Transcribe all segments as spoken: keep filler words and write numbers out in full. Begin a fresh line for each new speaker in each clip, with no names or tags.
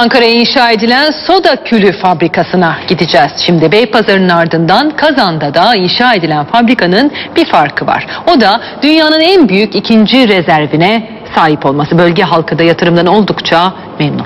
Ankara'ya inşa edilen soda külü fabrikasına gideceğiz. Şimdi Beypazarı'nın ardından Kazan'da da inşa edilen fabrikanın bir farkı var. O da dünyanın en büyük ikinci rezervine sahip olması. Bölge halkı da yatırımdan oldukça memnun.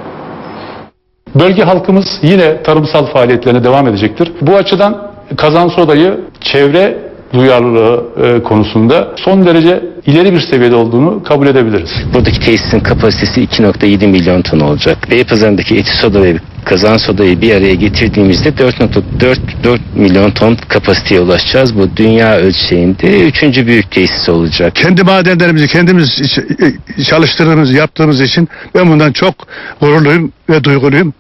Bölge halkımız yine tarımsal faaliyetlerine devam edecektir. Bu açıdan Kazan Soda'yı çevre duyarlılığı e, konusunda son derece ileri bir seviyede olduğunu kabul edebiliriz.
Buradaki tesisin kapasitesi iki nokta yedi milyon ton olacak. Beypazarı'ndaki Eti Soda ve Kazan Soda'yı bir araya getirdiğimizde dört nokta dört milyon ton kapasiteye ulaşacağız. Bu dünya ölçeğinde üçüncü büyük tesis olacak.
Kendi madenlerimizi kendimiz çalıştırdığımız, yaptığımız için ben bundan çok gururluyum ve duyguluyum.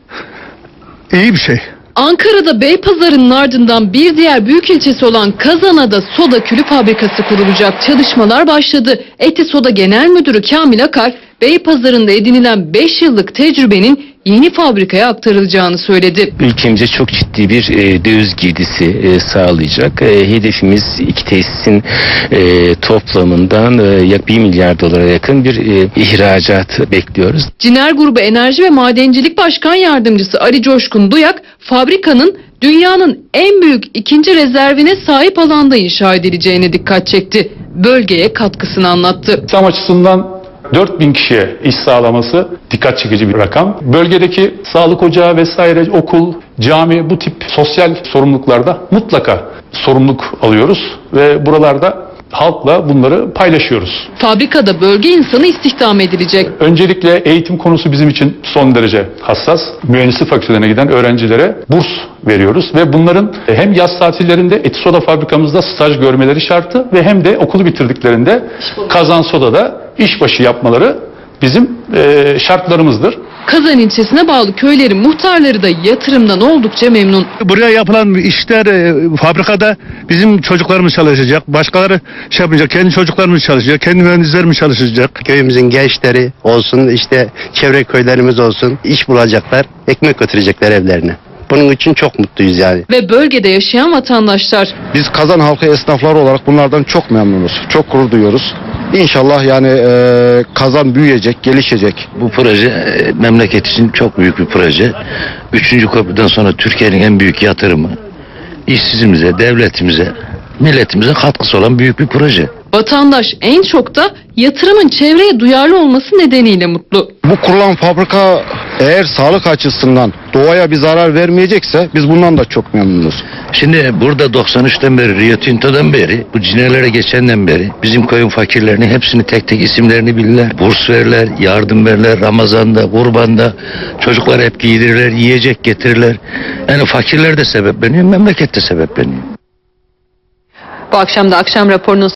İyi bir şey.
Ankara'da Beypazarı'nın ardından bir diğer büyük ilçesi olan Kazan'a da soda külü fabrikası kurulacak. Çalışmalar başladı. Eti Soda Genel Müdürü Kamil Akar, Beypazarı'nda edinilen beş yıllık tecrübenin yeni fabrikaya aktarılacağını söyledi.
Ülkemize çok ciddi bir e, döviz girdisi e, sağlayacak. E, hedefimiz iki tesisin e, toplamından e, yak bir milyar dolara yakın bir e, ihracat bekliyoruz.
Ciner Grubu Enerji ve Madencilik Başkan Yardımcısı Ali Coşkun Duyak, fabrikanın dünyanın en büyük ikinci rezervine sahip alanda inşa edileceğine dikkat çekti. Bölgeye katkısını anlattı.
İslam açısından dört bin kişiye iş sağlaması dikkat çekici bir rakam. Bölgedeki sağlık ocağı vesaire, okul, cami, bu tip sosyal sorumluluklarda mutlaka sorumluluk alıyoruz ve buralarda halkla bunları paylaşıyoruz.
Fabrikada bölge insanı istihdam edilecek.
Öncelikle eğitim konusu bizim için son derece hassas. Mühendislik fakültelerine giden öğrencilere burs veriyoruz ve bunların hem yaz tatillerinde Eti Soda fabrikamızda staj görmeleri şartı ve hem de okulu bitirdiklerinde Kazan Soda'da işbaşı yapmaları bizim e, şartlarımızdır.
Kazan ilçesine bağlı köylerin muhtarları da yatırımdan oldukça memnun.
Buraya yapılan işler e, fabrikada bizim çocuklarımız çalışacak. Başkaları şey yapmayacak. Kendi çocuklarımız çalışacak. Kendi mühendislerimiz çalışacak.
Köyümüzün gençleri olsun, işte çevre köylerimiz olsun, iş bulacaklar, ekmek götürecekler evlerine. Bunun için çok mutluyuz yani.
Ve bölgede yaşayan vatandaşlar.
Biz Kazan halkı esnafları olarak bunlardan çok memnunuz. Çok gurur duyuyoruz. İnşallah yani e, Kazan büyüyecek, gelişecek.
Bu proje e, memleket için çok büyük bir proje. Üçüncü köprüden sonra Türkiye'nin en büyük yatırımı. İşsizimize, devletimize, milletimize katkısı olan büyük bir proje.
Vatandaş en çok da yatırımın çevreye duyarlı olması nedeniyle mutlu.
Bu kurulan fabrika eğer sağlık açısından doğaya bir zarar vermeyecekse biz bundan da çok memnunuz.
Şimdi burada doksan üçten beri, Rio Tinto'dan beri, bu cinelere geçenden beri bizim köyün fakirlerini hepsini tek tek isimlerini bilirler. Burs verirler, yardım verirler, Ramazan'da, Kurban'da çocuklar hep giydirirler, yiyecek getirirler. Yani fakirler de sebepleniyor, memleket de sebepleniyor.
Bu akşam da akşam raporunun